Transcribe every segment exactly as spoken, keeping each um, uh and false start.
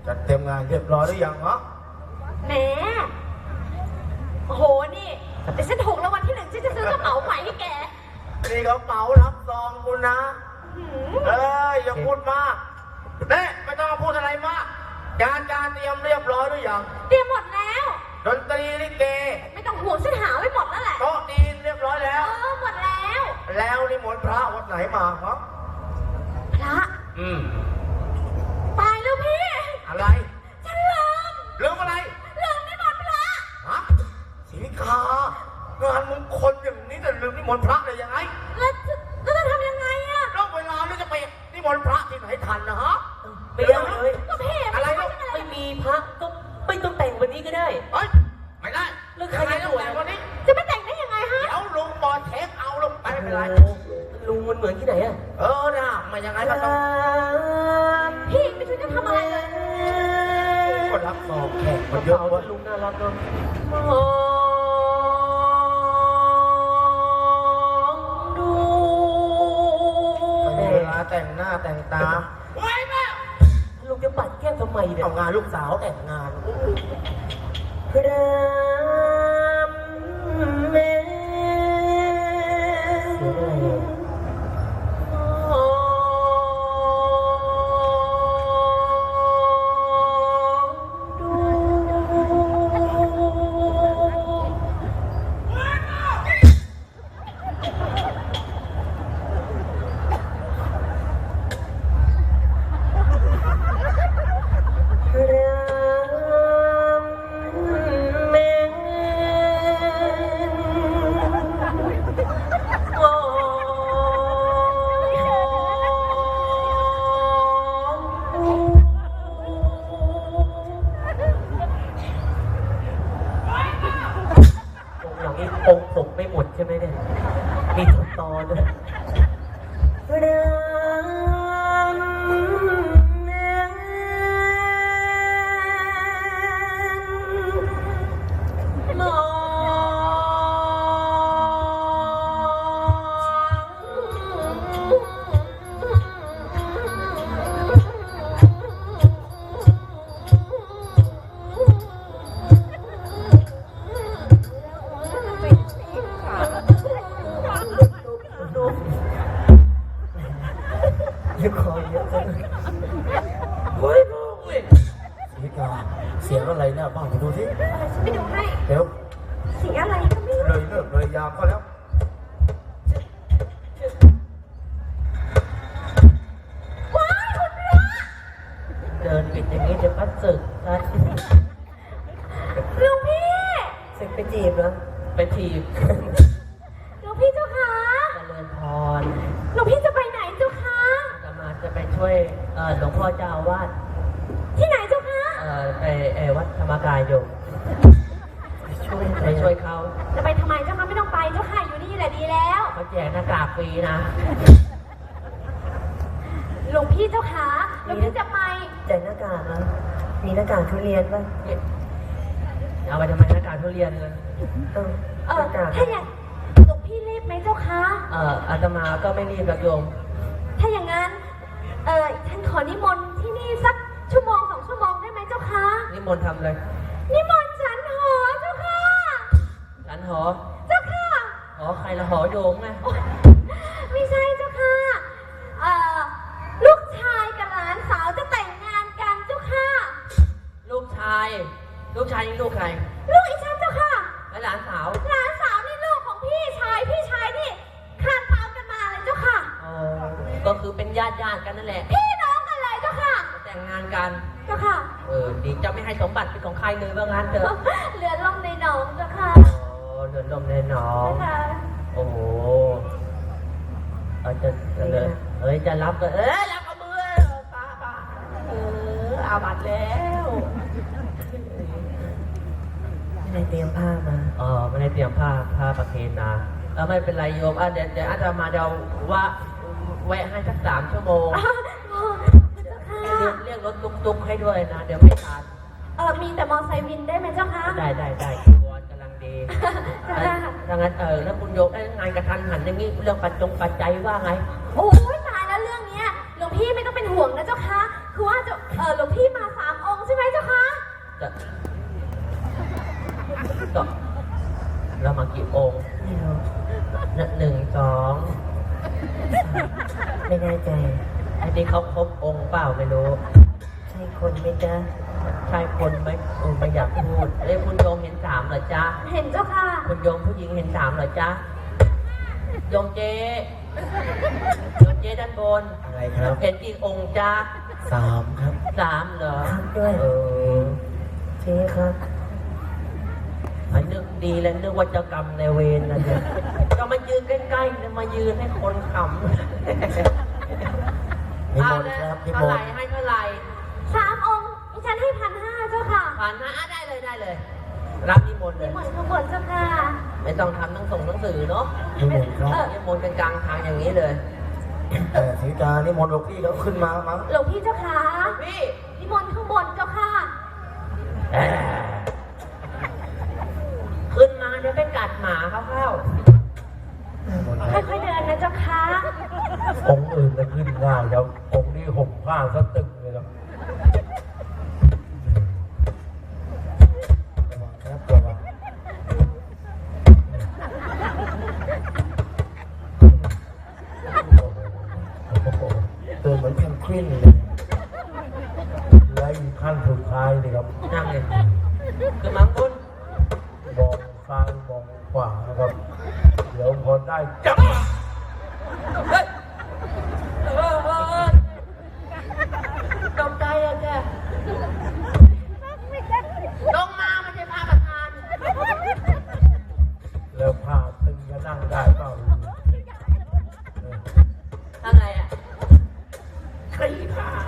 จัดเตรียมงานเรียบร้อยหรือยังฮะแหมโอ้โหนี่แต่ฉันถูกรางวัลที่หนึ่งฉันจะซื้อกระเป๋าใหม่ให้แกนี่กระเป๋ารับซองคุณนะเอ้ยอย่าพูดมากเน่ไม่ต้องพูดอะไรมากการการเตรียมเรียบร้อยหรือยังเตรียมหมดแล้วดนตรีลิเกไม่ต้องห่วงฉันหาไว้หมดแล้วแหละโต๊ะจีนเรียบร้อยแล้วเออหมดแล้วแล้วนิมนต์พระวัดไหนมาครับพระอืมตายแล้วพี่อะไรฉันลืมลืมอะไรลืมนิมนต์พระฮะศรีวิกางานมงคลอย่างนี้จะลืมนิมนต์พระได้ยังไงแล้วแล้วจะทำยังไงอะรอบเวลานี่จะไปนิมนต์พระที่ไหนทันนะฮะไม่ได้เลยอะไรลูกไม่มีพระก็ไม่ต้องแต่งวันนี้ก็ได้เฮ้ยไม่ได้เรื่องใครจะแต่งวันนี้จะไม่แต่งได้ยังไงฮะเดี๋ยวลุงบอลเทคเอาลงไปไม่เป็นไรลุงมันเหมือนที่ไหนอะเออนะไม่ยังไงก็ต้องพี่ไม่ช่วยจะทำอะไรเลยก็รับซองแขกมันเยอะว่าลุงน่ารักเนาะดูเวลาแต่งหน้าแต่งตาไว้แม่ลุงจะปัดแก้มทำไมเนี่ยเอางานลูกสาวแต่งงานพระแม่เสียงอะไรองค์ผมไม่หมดใช่ไหมเนี่ยมีทุกตอนด้วยเสียงอะไรเนี่ยบ้างไปดูที่ไปดูให้เดี๋ยวเสียงอะไรก็ไม่รู้เลยเลิกเลยยามก็แล้วว้ายคุณพระเดินปิดอย่างนี้จะพัดศึกนะลุงพี่ศึกไปจีบเหรอไปจีบลุงพี่เจ้าค่ะเจริญพรลุงพี่จะไปไหนเจ้าค่ะจะมาจะไปช่วยหลวงพ่อเจ้าอาวาสที่ไหนเจ้าคะเอ่อไปเอวัดธรรมกายอยู่ช่วยไปช่วยเขาจะไปทำไมเจ้าคะไม่ต้องไปเจ้าค่ะอยู่นี่แหละดีแล้วเขาแจกหน้ากากฟรีนะหลวงพี่เจ้าค่ะหลวงพี่จะไปแจกหน้ากากนะมีหน้ากากทุเรียนป่ะเอาไปทำไมหน้ากากทุเรียนเลยเออเออถ้าอย่างหลวงพี่รีบไหมเจ้าคะเอ่ออาตมาก็ไม่รีบกับโยมถ้าอย่างนั้นเออท่านขอนิมนต์ที่นี่สักชั่วโมงสองชั่วโมงได้ไหมเจ้าคะนิมนต์ทำเลยนิมนต์ฉันหอเจ้าค่ะฉันหอเจ้าค่ะหอใครละหอโยมไงไม่ใช่เจ้าค่ะเอ่อลูกชายกับหลานสาวจะแต่งงานกันเจ้าค่ะลูกชายลูกชายนี่ลูกใครลูกอีฉันเจ้าค่ะและหลานสาวหลานสาวนี่ลูกของพี่ชายพี่ชายนี่คลานตามกันมาเลยเจ้าค่ะอ๋อก็คือเป็นญาติญาติกันนั่นแหละพี่น้องกันเลยเจ้าค่ะแต่งงานกันเจ้าค่ะเออดีจะไม่ให้สมบัติเป็นของใครเลยว่างั้นเถอะเหลือลมในหนองเจ้าค่ะโอ้เหลือลมในหนองโอ้โหเอาจะเลยเอ้ยจะรับก็เอ้ยรับกับมือป้าป้าเอออาบัตแล้วไม่ได้เตรียมผ้ามาอ๋อไม่ได้เตรียมผ้าผ้าประเคนนะเออไม่เป็นไรโยมอ่ะเดี๋ยวเดี๋ยวอาจจะมาเดี๋ยวว่าแวะให้สักสามชั่วโมงเรียกเรียกรถตุ๊กๆให้ด้วยนะเดี๋ยวไม่ทันเออมีแต่มอไซค์วินได้ไหมเจ้าคะได้ได้ได้วอนกำลังดีดังนั้นเออแล้วคุณโยมได้งานกระทันหันอย่างนี้เรื่องปัจจงปัจจัยว่าไงโอ้ยตายแล้วเรื่องเนี้ยหลวงพี่ไม่ต้องเป็นห่วงนะเจ้าคะคือว่าจะเออหลวงพี่มาสามองค์กี่องค์ไม่รู้หนึ่งสองไม่แน่ใจอันนี้เขาครบองค์เปล่าไม่รู้ใช่คนไหมจ๊ะใช่คนไหมเออไม่อยากพูดเอ้ยคุณโยมเห็นสามเหรอจ๊ะเห็นเจ้าค่ะคุณโยมผู้หญิงเห็นสามเหรอจ๊ะโยมเจโยมเจด้านบนอะไรครับเห็นกี่องค์จ๊ะสามครับสามเหรอครับด้วยเออเจ๊ครับอันนึกดีแล้วนึกว่าเจ้ากรรมในายเวรนะเนี่ยก็มายืนใกล้ๆเนี่ยมายืนให้คนขำนิมนต์ครับนิมเท่าไหนร่ต์ให้เท่าไหร่สามองค์ดิฉันให้พันห้าเจ้าค่ะผ่านนะอ่ะได้เลยได้เลย รับนิมนต์เลนิยมนต์ข้างบนเจ้าค่ะไม่ต้องทำหนังส่งหนังสือเนาะนิมนต์ครับนิมนต์กันกลางทางอย่างนี้เลยแต่สีกานิมนต์หลวงพี่เขาขึ้นมามั้งหลวงพี่เจ้าค่ะพี่นิมนต์ข้างบนเจ้าค่ะขึ้นมาเดี๋ยวไปกัดหมาเขาเข้าค่อยๆเดินนะเจ้าค่ะองค์อื่นจะขึ้นง่ายแล้วองค์นี้ห่มผ้าซะตึงเลยครับระวังครับระวังเดินเหมือนแพนกวินเลยและอีกขั้นสุดท้ายนี่ครับนั่งเลยขึ้นมาคุณมองซ้ายมองขวานะครับ เดี๋ยวพอได้จับเฮ้ยเออเออเออตกใจอะแกลงมาไม่ใช่พระประธานแล้วผ้าตึงจะนั่งได้เปล่าทำไรอ่ะคลี่ผ้า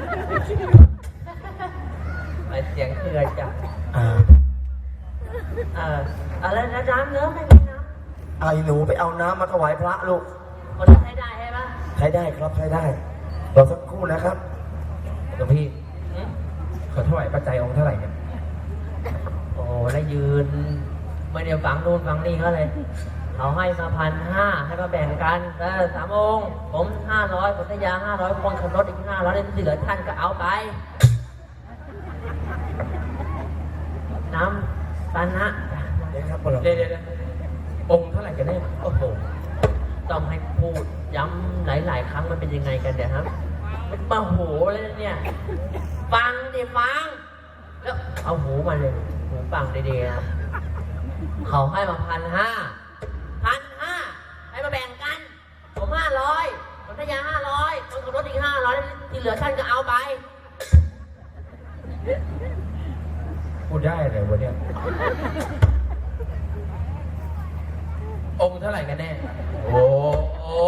ไปเสียงเคือจ้ะอ่าเอออะไรนะน้ำเนื้อไม่มีน้ไอ้หนูไปเอาน้ำมาถวายพระลูกำคนละใช้ได้ใช่ปะใช้ได้ครับใช้ได้รอสักครู่นะครับหลวงพี่หืมขอถวายปัจจัยองค์เท่าไหร่เนี่ยโอ้แล้วยืนไม่เดี๋ยวฝังนู่นฝังนี่เขาเลยเขาให้มาพันห้าให้มาแบ่งกันเออสามองค์ผมห้าร้อยคนทยาห้าร้อยคนขับรถอีกห้าร้อยเหลือท่านก็เอาไป น้ำปานะเดี๋ยวครับพวกเราเดี๋ยวเดี๋ยวเดี๋ยวองค์เท่าไหร่กันแน่โอ้โหต้องให้พูดย้ำหลาย ๆ ครั้งมันเป็นยังไงกันเดี๋ยวครับมันมาโหเลยนะเนี่ย ฟังดิฟัง แล้วเอาหูมาเลย หูฟังดีๆนะเขาให้มาพันห้า พันห้า ให้มาแบ่งกัน ผมห้าร้อยคนทยาห้าร้อยคนขับรถอีกห้าร้อยที่เหลือท่านก็เอาไปพูดได้เลยวะเนี่ย องค์เท่าไหร่กันแน่ โอ้โอ้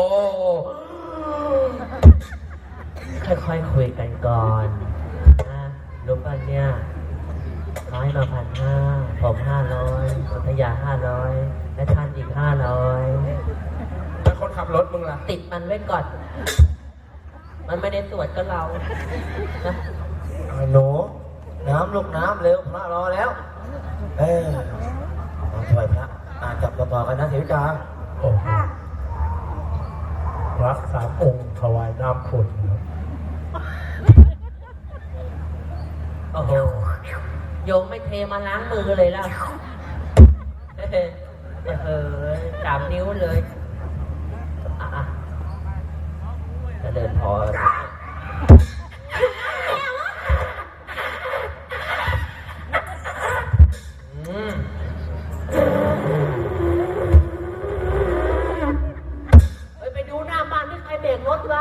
ค่อยๆคุยกันก่อนนะรู้ป่ะเนี่ยร้อยมาพันห้าผมห้าร้อยคนทยาห้าร้อยและท่านอีกห้าร้อยแล้วคนขับรถมึงล่ะติดมันไว้ก่อน มันไม่ได้ตรวจก็เรานะไอ้หนูน้ำลูกน้ำเร็วพระรอแล้ว เออเอาถวายพระอ่านจับต่อๆกันนะสีกาโอ้โหพระสามองค์ถวายน้ำฝนครับโอ้โหโยมไม่เทมาล้างมือเลยล่ะเฮ้ยเออสามนิ้วเลยอ่ะๆจะเดินพออืมเฮ้ยไปดูหน้าบ้านที่ใครเบรกรถวะ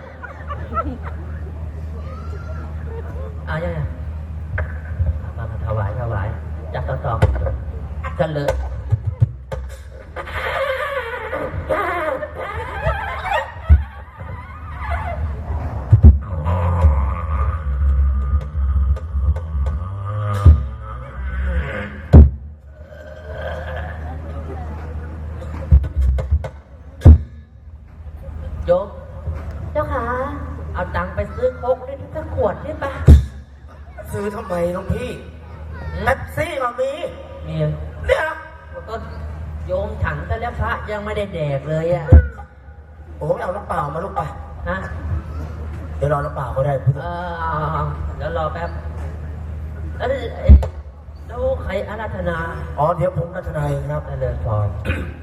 เอายังไงมามาถวายถวายจับต่อต่อกันเลยโยมเจ้าค่ะเอาตังค์ไปซื้อโค้กได้สักขวดได้ปะซื้อทำไมน้องพี่แท็กซี่ก็มีมีเนี่ยก็โยมฉันแต่แล้วพระยังไม่ได้แดกเลยอะโอ้ยเอาน้ำเปล่ามาลูกไปฮะเดี๋ยวรอน้ำเปล่าก็ได้พุทธเออเอาๆๆเดี๋ยวรอแป๊บแล้วไอ้แล้วใครอาราธนาอ๋อเดี๋ยวผมรัตนายครับเจริญพร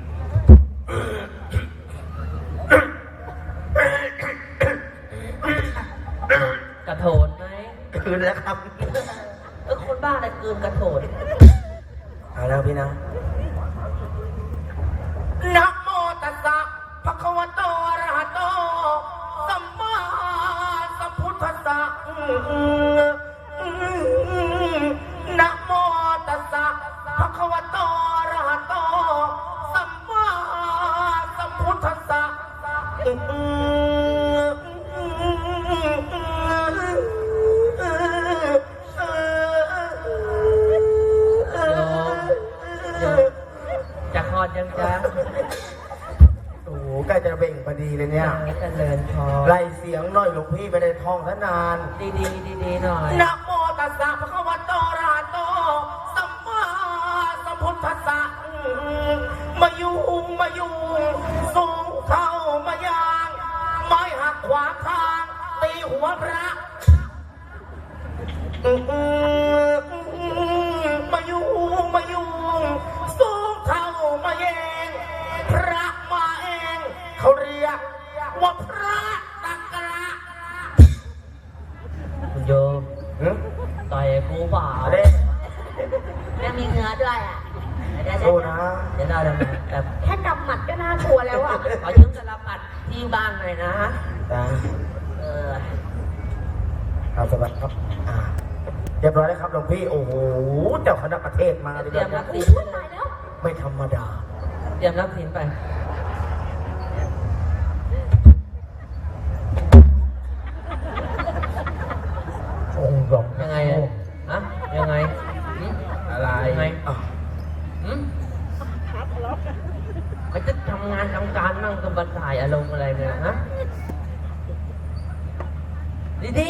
กระโถนไหมคืนแล้วครับเออคนบ้าอะไรเกินกระโถนเอาแล้วพี่นะนะโมตัสสะภะคะวะโตอะระหะโตสัมมาสัมพุทธัสสะนะโมตัสสะภะคะวะโตอะระหะโตสัมมาสัมพุทธัสสะโยมโยมจะคลอดยังจ๊ะโอ้โหใกล้จะเบ่งพอดีเลยเนี่ยเจริญพรไล่เสียงหน่อยหลวงพี่ไม่ได้ท่องซะนานดีดีดีดีๆหน่อยนะโมตัสสะภะคะวะโตอะระหะโตสัมมาสัมพุทธัสสะมายุงมายุงสูงเข้ามายางไม้หักขวางทางตีหัวพระมายุงมายุงสูงเข้ามาเองพระมาเองเขาเรียกว่าพระตะกระคุณโยมต่อยกูเปล่าเด้ยังมีเนื้อด้วยอ่ะเดี๋ยวสู้นะเดี๋ยวได้แล้วนะแต่แค่กำหมัดก็น่ากลัวแล้วอ่ะขอยืมกระปัดที่บ้านหน่อยนะจ้าเออเอาสวัสดีครับอ่าเรียบร้อยแล้วครับหลวงพี่ โอ้โห เจ้าคณะประเทศมาเลยเตรียมรับนะสินอุ้ยตายแล้วไม่ธรรมดาเตรียมรับสินไปองค์สองยังไงอะฮะยังไงหึอะไรยังไงอ่ะหึมันจะทำงานทำการมั่งก็มาถ่ายอารมณ์อะไรเนี่ยฮะดีดี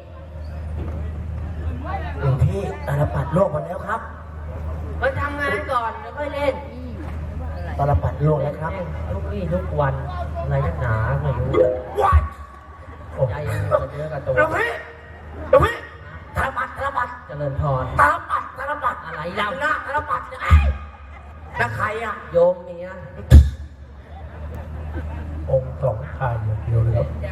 หลวงพี่ตาลปัดโลกมาแล้วครับๆมาทำงานก่อนแล้วค่อยเล่นตาลปัดโลกแล้วครับทุกวี่ทุกวันอะไรนักหนาไม่รู้ว้ายใจเย็นๆกับเนื้อกับตัวหลวงพี่หลวงพี่ตาลปัดตาลปัดเจริญพรตาลปัดตาลปัดอะไรเล่าหน้าตาลปัดเนี่ยเอ้ยแล้วใครอ่ะโยมเมียองค์สองชายอย่างเดียวเลยครับใจ